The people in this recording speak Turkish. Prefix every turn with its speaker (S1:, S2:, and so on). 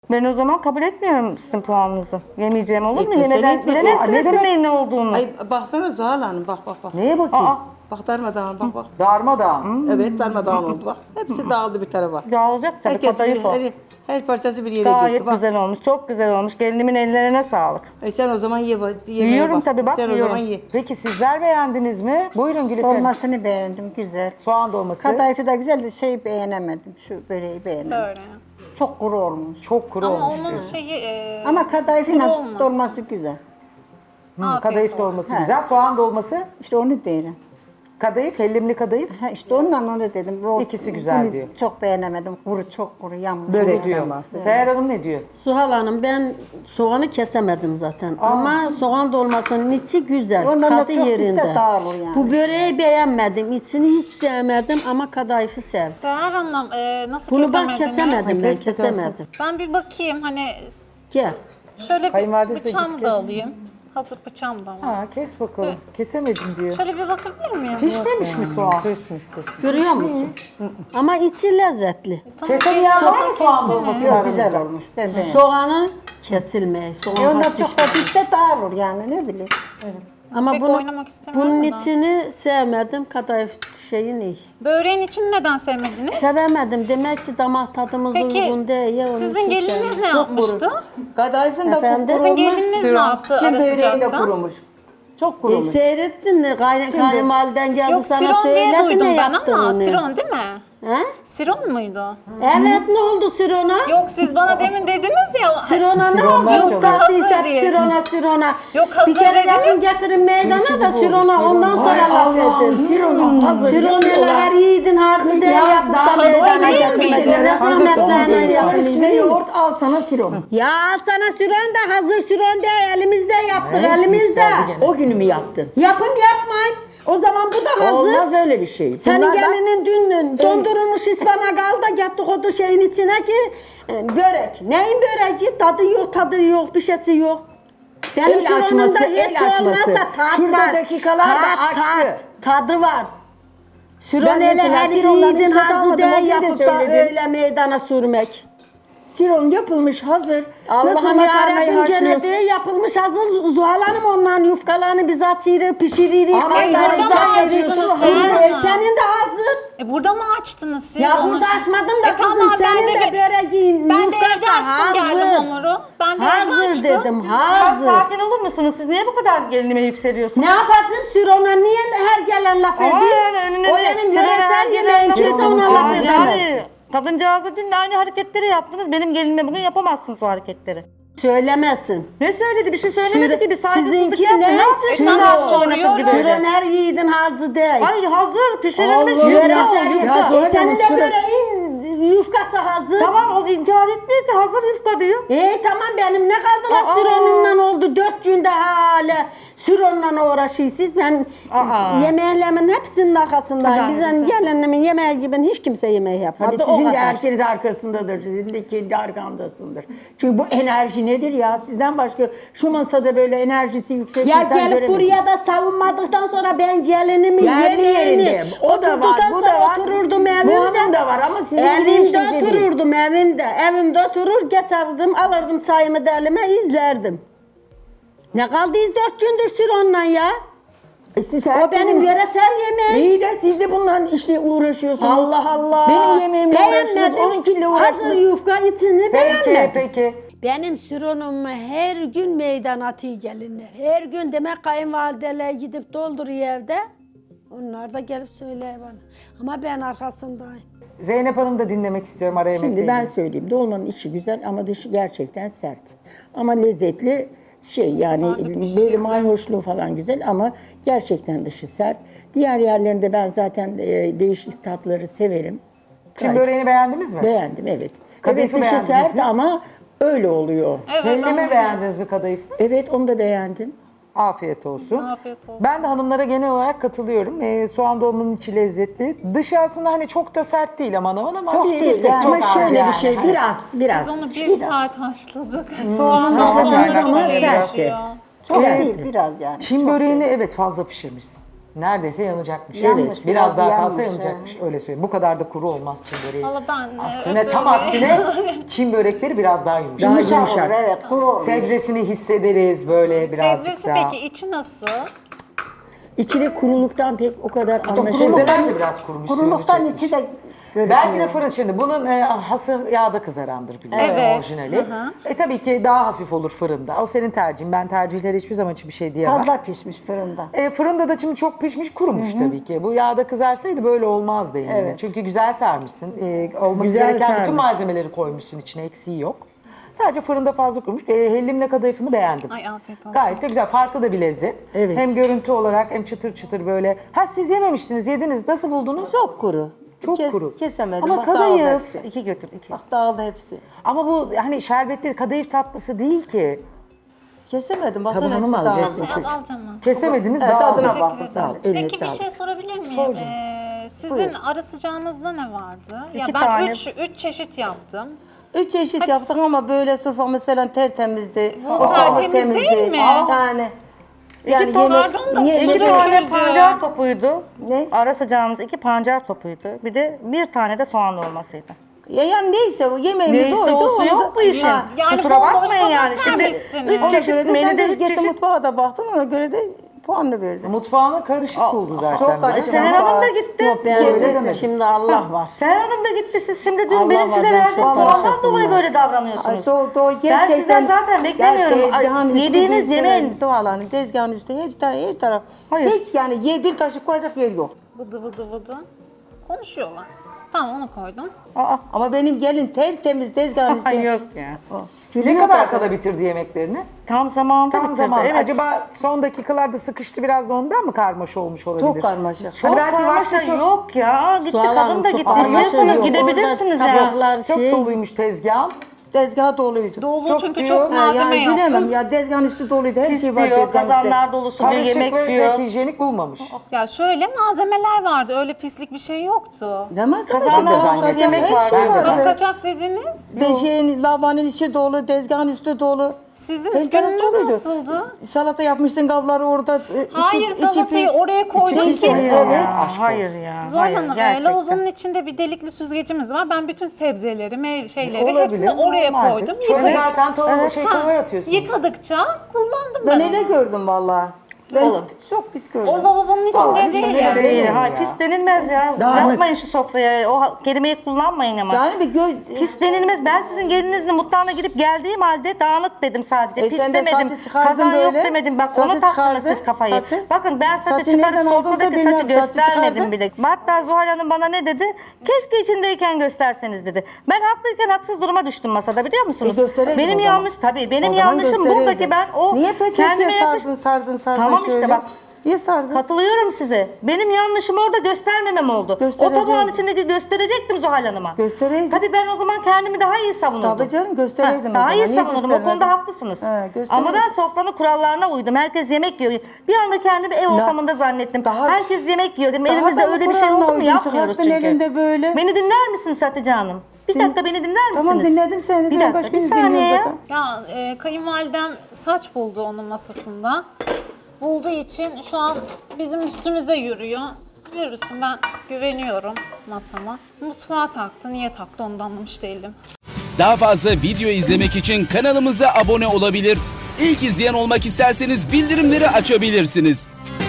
S1: Ben o zaman kabul etmiyorum sizin puanınızı. Yemeyeceğim olur mu?
S2: Etmesen
S1: Yemeden
S2: etme.
S1: bilemezsiniz
S2: Ne
S1: ki
S2: demek?
S1: neyin ne olduğunu.
S2: Ay baksana Zuhal Hanım bak.
S3: Neye bakayım?
S1: Aa,
S2: Bak darmadağın bak.
S3: Darmadağın.
S2: Evet darmadağın oldu bak. Hepsi dağıldı bir tarafa.
S1: dağılacak tabii.
S2: Herkes
S1: Kadayıf o.
S2: her parçası bir yere
S1: Gayet
S2: gitti bak.
S1: güzel olmuş. Çok güzel olmuş. Gelinimin ellerine sağlık.
S2: Sen o zaman yemeğe
S1: Yiyorum
S2: bak.
S1: tabii, bak,
S2: Sen
S1: yiyorum.
S2: o zaman ye.
S3: Peki sizler beğendiniz mi? Buyurun Gülisel.
S4: Dolmasını beğendim, güzel.
S3: Soğan dolması.
S4: Kadayıfı da güzel de şey beğenemedim, şu böreği beğenemedim.
S5: Böyle.
S4: Çok kuru olmuş.
S3: Çok kuru
S5: Ama
S3: olmuş
S5: onun
S3: diyorsun.
S5: şeyi
S4: Ama
S5: kuru
S4: kadayıfla
S5: olmaz.
S4: dolması güzel.
S5: afiyet
S3: Kadayıf
S5: olsun.
S3: dolması güzel. Soğan dolması.
S4: İşte onu derim.
S3: Kadayıf, hellimli kadayıf.
S4: Ha işte ondan onu dedim.
S3: İkisi güzel
S4: bunu
S3: diyor.
S4: Çok beğenemedim. Çok kuru yanmış.
S3: Böyle diyor. Seher Hanım ne diyor?
S6: Suhal Hanım ben soğanı kesemedim zaten ama soğan dolmasının içi güzel,
S4: Ondan da
S6: tadı
S4: çok
S6: yerinde.
S4: ise dağılır yani.
S6: Bu böreği beğenmedim, içini hiç sevmedim ama kadayıfı sevdim.
S5: Seher Hanım nasıl
S6: Bunu bak
S5: kesemediniz?
S6: kesemedim ben,
S3: Kes,
S6: kesemedim.
S5: Ben bir bakayım hani
S6: Gel.
S5: şöyle bir
S3: Kayınvalidesi de
S5: bıçağımı
S3: git
S5: da
S3: kes.
S5: alayım. Hazır bıçağım da var.
S3: Ha kes bakalım. Kesemedim diyor.
S5: Şöyle bir bakabilir miyim?
S3: Pişmemiş mi soğan?
S6: Görüyor musun? Ama içi lezzetli.
S5: Tamam,
S3: Kesemeyen
S5: kestim,
S3: var mı soğan
S5: kestiniz.
S3: dolması
S4: Yok
S3: aranızda?
S4: güzel olmuş. Ben beğendim.
S6: Soğanın kesilmeyi, soğan
S4: Onlar
S6: hafif
S4: çok da pişse dağılır yani ne bileyim.
S6: Ama
S5: Pek oynamak istemiyorum
S6: bunun
S5: da.
S6: içini sevmedim, kadayıf şeyin iyi.
S5: Böreğin için neden sevmediniz?
S6: Sevemedim. Demek ki damak tadımız
S5: Peki
S6: uygun değil. Ya, onun
S5: sizin
S6: için
S5: gelininiz
S6: sevmedim.
S5: ne
S6: Çok
S5: yapmıştı?
S6: kuru.
S2: Kadayıfın da
S6: Efendim?
S5: Sizin
S2: kurumuş.
S5: gelininiz ne yaptı
S2: Çin
S5: ara
S2: böreği de
S5: sıcakta?
S2: kurumuş. Çok kurumuş.
S6: Seyrettin mi? Kayınvaliden geldi
S5: Yok
S6: sana
S5: Siron diye
S6: söyledi
S5: duydum
S6: ne
S5: ben
S6: yaptın
S5: ama
S6: onu.
S5: Siron değil mi?
S6: He?
S5: Siron muydu?
S6: Evet ne oldu Siron'a?
S5: Yok siz bana demin dediniz ya.
S6: Siron'a ne
S3: Sironlar
S6: oldu?
S3: çalıyor.
S6: Tatlıysa
S5: Hazır diye.
S6: Siron'a.
S5: Yok, hazır
S6: Bir kere
S5: dediniz.
S6: yakın getirin meydana da Siron'a ondan sonra laf edin. Siron hele her yiğidin harcı değil yapıp da meydana
S5: değil
S6: getirmek.
S5: miydi?
S6: Ne zahmetlerine yapın.
S7: Üstüne yoğurt al sana siron.
S6: Ya sana Siron da hazır Siron değil elimizde yaptık elimizde.
S7: O günü mü yaptın?
S6: Yapın yapmayın. O zaman bu da hazır.
S7: Olmaz öyle bir şey.
S6: Senin
S7: Bunlar da-
S6: gelinin dün dondurulmuş ıspanak al da gettik o şeyin içine ki börek. Neyin böreği? Tadı yok, bir şeysi yok. Benim
S7: El açması,
S6: fırınımda
S7: el
S6: hiç
S7: açması.
S6: olmazsa tat
S7: Şurada
S6: var.
S7: dakikalar da açtı.
S6: Tadı var. Süron
S7: Ben
S6: hele
S7: mesela
S6: her
S7: Siron'dan
S6: yiğidin
S7: hiç tat
S6: hazı
S7: almadım, o
S6: değil
S7: gün de
S6: yapıp da
S7: söyledim.
S6: öyle meydana sürmek.
S7: Siron yapılmış hazır. Nasıl
S6: Allah'ım
S7: makarnayı
S6: yarabbim
S7: haşlıyorsun?
S6: cennet yapılmış hazır Zuhal Hanım onların yufkalarını biz açırız, pişiririz.
S7: Ama
S6: kaynarız,
S5: burada mı
S6: çayırız.
S5: açtınız
S6: Senin de hazır.
S5: Burada mı açtınız siz
S6: Ya
S5: onu?
S6: burada açmadım da
S5: tamam,
S6: kızım
S5: ben
S6: senin de
S5: de
S6: böreğin
S5: Ben de
S6: yufkası
S5: evde açtım geldim
S6: hazır.
S5: hamuru. Ben de evde
S6: Hazır
S5: açtım.
S6: dedim
S1: Biraz
S6: hazır.
S1: sakin olur musunuz? Siz niye bu kadar gelinime yükseliyorsunuz?
S6: Ne yapacağım Sürona niye her gelen laf
S1: Ama
S6: ediyor?
S1: yani önüne
S6: O
S1: de
S6: benim
S1: sıra
S6: yöresel
S1: veren
S6: yemeğim
S1: gelen
S6: kimse
S1: lafı-
S6: ona laf
S1: Aa,
S6: edemez.
S1: Yani kadıncağıza dün de aynı hareketleri yaptınız. Benim gelinime bugün yapamazsınız o hareketleri.
S6: Söylemesin.
S1: Ne söyledi? Bir şey söylemedi ki. Bir saygısızlık
S6: Sizinki
S1: yaptı.
S6: ne?
S1: Ne yapıyorsun?
S6: Süron.
S1: Nasıl oynatır gibi
S6: Süron
S1: öyle?
S6: her yiğidin harcı değil.
S1: Ay hazır pişirilmiş
S6: Allah,
S1: yufka
S6: yöresel
S1: o,
S6: yufka.
S1: yufka.
S6: Senin de böreğin yufkası hazır.
S1: Tamam o inkar etmiyor ki hazır yufka diyor.
S6: Tamam benim ne kaldılar
S1: Aa.
S6: Süron'unla oldu 4 günde hala Süron'la uğraşıyorsunuz. Ben
S1: Aa.
S6: yemeğimin hepsinin arkasındayım.
S1: Güzel,
S6: Bizim
S1: güzel.
S6: gelinimin yemeği gibi hiç kimse yemeği yapmadı.
S7: Tabii
S6: o
S7: sizin de
S6: kadar.
S7: herkes arkasındadır. Sizin de kendi arkandasındır. Çünkü bu enerji nedir ya? Sizden başka şu masada böyle enerjisi yüksek
S6: Ya
S7: insan
S6: gelip
S7: göremedim.
S6: buraya da savunmadıktan sonra ben gelinimi
S7: Yerli
S6: yemeğini
S7: yerinde. O da var,
S6: oturduktan
S7: bu da
S6: sonra
S7: var.
S6: otururdum
S7: Bu
S6: evimde.
S7: hanım da var ama sizin gibi hiç
S6: Evimde
S7: kimse değil.
S6: otururdum evimde. Evimde oturur geçerdim alırdım çayımı da elime izlerdim. Ne kaldıyız 4 gündür Süron'la ya?
S7: Siz
S6: O benim yöresel yemeğim.
S7: İyi de siz de bundan işte uğraşıyorsunuz.
S6: Allah Allah.
S7: Benim yemeğimle uğraştınız,
S6: Beğenmedim.
S7: onunkiyle
S6: Hazır
S7: uğraştınız.
S6: yufka içini
S3: Peki,
S6: beğenmedim.
S3: peki.
S6: Benim Süron'umu her gün meydan atıyor gelinler. Her gün demek kayınvalideler gidip dolduruyor evde. Onlar da gelip söylüyor bana. Ama ben arkasındayım.
S3: Zeynep Hanım da dinlemek istiyorum ara yemekle
S7: Şimdi ben
S3: ilgili.
S7: söyleyeyim. Dolmanın içi güzel ama dışı gerçekten sert. Ama lezzetli yani böyle mayhoşluğu falan güzel ama gerçekten dışı sert. Diğer yerlerinde ben zaten değişik tatları severim.
S3: Çin böreğini beğendiniz mi?
S7: Beğendim evet.
S3: Kadayıfı
S7: Evet dışı
S3: beğendiniz
S7: sert
S3: mi?
S7: ama öyle oluyor.
S5: Evet,
S3: Hellimi
S5: ama-
S3: beğendiniz mi kadayıfı?
S7: Evet onu da beğendim.
S3: Afiyet olsun.
S5: Afiyet olsun.
S3: Ben de hanımlara genel olarak katılıyorum. Soğan dolmanın içi lezzetli. Dışı aslında hani çok da sert değil aman aman ama
S7: Çok
S3: bir
S7: değil
S3: tık
S7: ama
S3: çok az
S7: şöyle
S3: yani.
S7: bir şey
S3: Hani
S7: biraz.
S5: Biz onu bir saat haşladık.
S1: Soğan
S7: haşladığımız
S1: haşladığımız
S7: zaman
S1: zaman
S7: sertti.
S4: Çok
S3: Evet.
S4: değil biraz yani.
S3: Çin böreğini evet fazla pişirmişsin. Neredeyse yanacakmış.
S4: Yanmış,
S3: Biraz
S4: biraz
S3: daha
S4: yanmış,
S3: fazla yanacakmış. Öyle söyleyeyim. Bu kadar da kuru olmaz Çin böreği.
S5: Valla ben
S3: Aksine tam aksine Çin börekleri biraz daha yumuşak.
S7: Daha
S4: Yumuşak
S7: yumuşak.
S4: olur, evet kuru olur.
S3: Sebzesini hissederiz böyle birazcık
S5: sebzesi
S3: daha.
S5: peki içi nasıl?
S7: İçine kuruluktan pek o kadar anlaşılmıyor.
S3: Sebzeler de biraz kurumuş.
S4: Kuruluktan
S3: suyunu
S4: içi de görünüyor.
S3: Belki de fırın şimdi bunun hası yağda kızarandır biliyorsun
S5: Evet,
S3: orijinali.
S5: hı
S3: Tabii ki daha hafif olur fırında. O senin tercihin. Ben tercihleri hiçbir zaman için bir şey diyemem.
S4: Fazla pişmiş fırında.
S3: Fırında da şimdi çok pişmiş kurumuş tabii ki. Bu yağda kızarsaydı böyle olmazdı yani.
S4: Evet.
S3: Çünkü güzel sarmışsın. Olması
S7: Güzel
S3: gereken bütün
S7: sarmış.
S3: malzemeleri koymuşsun içine, eksiği yok. Sadece fırında fazla kurumuş. Hellimle kadayıfını beğendim.
S5: Ay afiyet olsun.
S3: Gayet de güzel. Farklı da bir lezzet.
S7: Evet.
S3: Hem görüntü olarak hem çıtır çıtır böyle. Ha siz yememiştiniz, yediniz. Nasıl buldunuz?
S2: Çok kuru.
S3: Çok kuru.
S2: Kesemedim.
S3: Ama
S2: Bak dağıldı
S3: kadayıf.
S2: hepsi.
S1: 2 götür 2.
S2: Bak dağıldı hepsi.
S3: Ama bu hani şerbetli kadayıf tatlısı değil ki.
S2: Kesemedim. Baksana
S7: Tadını
S2: hepsi
S7: mı alacaksın?
S2: dağıldı.
S5: Al canım.
S3: Kesemediniz
S2: Evet,
S3: dağıldı.
S2: tadına bak.
S7: Sağ ol. Eline
S5: Peki bir
S7: sağlık.
S5: şey sorabilir miyim?
S3: Sor canım.
S5: Sizin ara sıcağınızda ne vardı? Ya
S1: İki
S5: ben
S1: tane.
S5: 3 çeşit yaptım.
S2: 3 çeşit yaptık ama böyle soframız falan tertemizdi.
S5: Bu
S2: Ortamız
S5: tertemiz değil
S2: temizdi.
S5: mi?
S2: Yani. Yani
S5: pardon da
S2: yemek,
S5: sıvı
S1: 2
S5: döküldü.
S1: tane pancar topuydu.
S2: Ne?
S1: Ara sıcağınız 2 pancar topuydu. Bir de bir tane de soğan olmasıydı.
S2: yani neyse o yemeğimiz
S1: Neyse
S2: oydu.
S1: olsun
S2: oydu.
S1: yok bu işin.
S2: Ha,
S5: Yani
S1: Kusura
S5: bomboş
S1: bakmayın
S5: tabak
S1: yani. Şimdi
S5: vermişsiniz.
S1: 3
S2: Ona
S1: çeşit
S2: göre de sen de
S1: menüde 3
S2: gittin
S1: çeşit.
S2: mutfağa da baktın ona göre de puanını verdin.
S3: Mutfağına karışık buldu zaten.
S2: çok karışık.
S1: Seher Hanım da gitti.
S4: Yok ben
S2: Öyle
S4: öyle
S2: demedim.
S4: şimdi Allah var.
S1: Seher Hanım da gitti. Siz şimdi dün
S4: Allah
S1: benim
S4: var,
S1: size
S4: ben
S1: verdiğim
S4: çok
S1: puandan
S4: karışık
S1: dolayı
S4: bunlar.
S1: böyle davranıyorsunuz.
S2: Ay, doğu
S1: Ben
S2: gerçekten.
S1: sizden zaten beklemiyorum.
S2: Ya tezgahın üstü
S1: Yediğiniz
S2: bir
S1: yemeğin-
S2: Zuhal Hanım, tezgahın üstü her taraf.
S1: Hayır.
S2: Hiç yani bir kaşık koyacak yer yok.
S5: Vıdı vıdı vıdı. Konuşuyorlar. Tamam onu koydum.
S1: Aa,
S2: Ama benim gelin tertemiz tezgahın üstü.
S1: ay yok ya.
S3: Ne kadar kala bitirdi yemeklerini?
S1: Tam zamanında
S3: Tam
S1: bitirdi.
S3: zaman.
S1: Evet.
S3: Acaba son dakikalarda sıkıştı biraz da ondan mı karmaşa olmuş olabilir?
S2: Çok karmaşık.
S1: Çok
S3: Hani belki
S1: karmaşa
S3: vakti çok-
S1: yok ya. Gitti
S4: Sual
S1: kadın
S4: Hanım
S1: da
S4: çok
S1: gitti.
S4: karmaşa
S1: İstiyorsanız
S4: yok.
S1: gidebilirsiniz
S4: Orada
S1: ya.
S4: tabaklar
S3: Çok doluymuş tezgahın.
S2: Tezgah doluydu.
S5: Dolu
S3: Çok
S5: çünkü
S3: diyor.
S5: çok malzeme
S2: yani
S5: yaptım.
S2: bilemem ya tezgahın üstü doluydu. Her
S1: Pis
S2: şey var
S1: diyor,
S2: tezgahın üstü.
S1: kazanlar dolusu diyor,
S3: Karışık
S1: yemek
S3: ve
S1: diyor.
S3: pek hijyenik bulmamış.
S5: Ya şöyle malzemeler vardı. Öyle pislik bir şey yoktu.
S2: Ne malzemesi
S1: Kazanlar
S2: var?
S3: zannediyorum.
S2: Yemek
S1: Yemek
S2: her
S1: var,
S2: şey
S3: ben de
S2: vardı.
S3: zannediyorum.
S5: Kaçak dediniz.
S2: Ve şeyin lavanın içi dolu, tezgahın üstü dolu.
S5: Sizin
S2: Her taraf
S5: gününüz
S2: doluydu.
S5: nasıldı?
S2: Salata yapmışsın kabları orada.
S5: Hayır, salatayı oraya koydum
S2: pis.
S5: ki-
S2: Evet.
S1: Hayır ya.
S5: Zuhal
S1: Hayır
S5: Hanım,
S1: gerçekten.
S5: lavabonun içinde bir delikli süzgecimiz var. Ben bütün sebzeleri, şeyleri
S3: Olabilir,
S5: hepsini oraya
S3: normaldir.
S5: koydum.
S3: Çünkü
S5: Yıkadık-
S3: zaten kovaya atıyorsunuz.
S5: Yıkadıkça kullandım
S2: Ben
S5: ben
S2: öyle
S5: onu.
S2: gördüm valla. Ben
S1: Olur.
S2: çok pis gördüm.
S5: O lavabonun içinde değil yani.
S1: Değil.
S3: ya.
S1: Hayır, pis denilmez ya.
S7: Dağınık.
S1: Yapmayın şu sofraya. O kelimeyi kullanmayın ama.
S2: Yani bir
S1: Pis denilmez. Ben sizin gelininizle mutfağına gidip geldiğim halde dağınık dedim sadece. Pis
S2: sen de
S1: demedim.
S2: saçı çıkardın
S1: Kazan yok
S2: böyle.
S1: demedim. Bak
S2: Saçı
S1: onu taktınız
S2: çıkardın.
S1: siz kafayı.
S2: Saçı.
S1: Bakın ben saçı
S2: Saçı
S1: çıkarıp
S2: nereden aldınsa
S1: sofradaki saçı
S2: bilmiyorum. Saçı
S1: göstermedim
S2: çıkardın.
S1: bile. Hatta Zuhal Hanım bana ne dedi? Keşke içindeyken gösterseniz dedi. Ben haklıyken haksız duruma düştüm masada biliyor musunuz?
S2: Göstereydin
S1: Benim
S2: o zaman.
S1: yanlış tabii. Benim
S2: O zaman
S1: yanlışım
S2: göstereydin.
S1: buradaki ben o
S2: Niye
S1: kendime
S2: peçeteye
S1: yakış-
S2: sardın
S1: Tamam işte
S2: şöyle?
S1: bak.
S2: Niye sardın?
S1: Katılıyorum size. Benim yanlışım orada göstermemem oldu. O
S2: Göstereceydin.
S1: tabağın içindeki gösterecektim Zuhal Hanım'a.
S2: Göstereydin.
S1: Tabii ben o zaman kendimi daha iyi savunurdum.
S2: Tabii canım, göstereydin o
S1: Daha
S2: zaman.
S1: iyi
S2: Niye
S1: savunurdum. O
S2: göstermedin?
S1: konuda haklısınız.
S2: He, göstereydin.
S1: Ama ben sofranın kurallarına uydum. Herkes yemek yiyor. Bir anda kendimi ev ortamında zannettim.
S2: daha-
S1: Herkes yemek yiyor dedim.
S2: daha
S1: Elimizde
S2: da
S1: öyle bir şey
S2: kuralına
S1: oldu mu?
S2: uydun,
S1: Yapmıyoruz
S2: çıkarttın
S1: çünkü.
S2: elinde böyle.
S1: Beni dinler misiniz Hatice Hanım? Bir dakika beni dinler misiniz?
S2: Tamam, dinledim seni.
S1: Bir
S2: Ben
S1: dakika
S2: kaç
S1: bir
S2: gündür
S1: saniye
S2: dinliyorum
S1: ya.
S2: zaten.
S5: Ya kayınvalidem saç buldu onun masasında. Bulduğu için şu an bizim üstümüze yürüyor. Yürüsün, ben güveniyorum masama. Mutfağa taktı. Niye taktı onu da anlamış değilim.
S8: Daha fazla video izlemek için kanalımıza abone olabilir. İlk izleyen olmak isterseniz bildirimleri açabilirsiniz.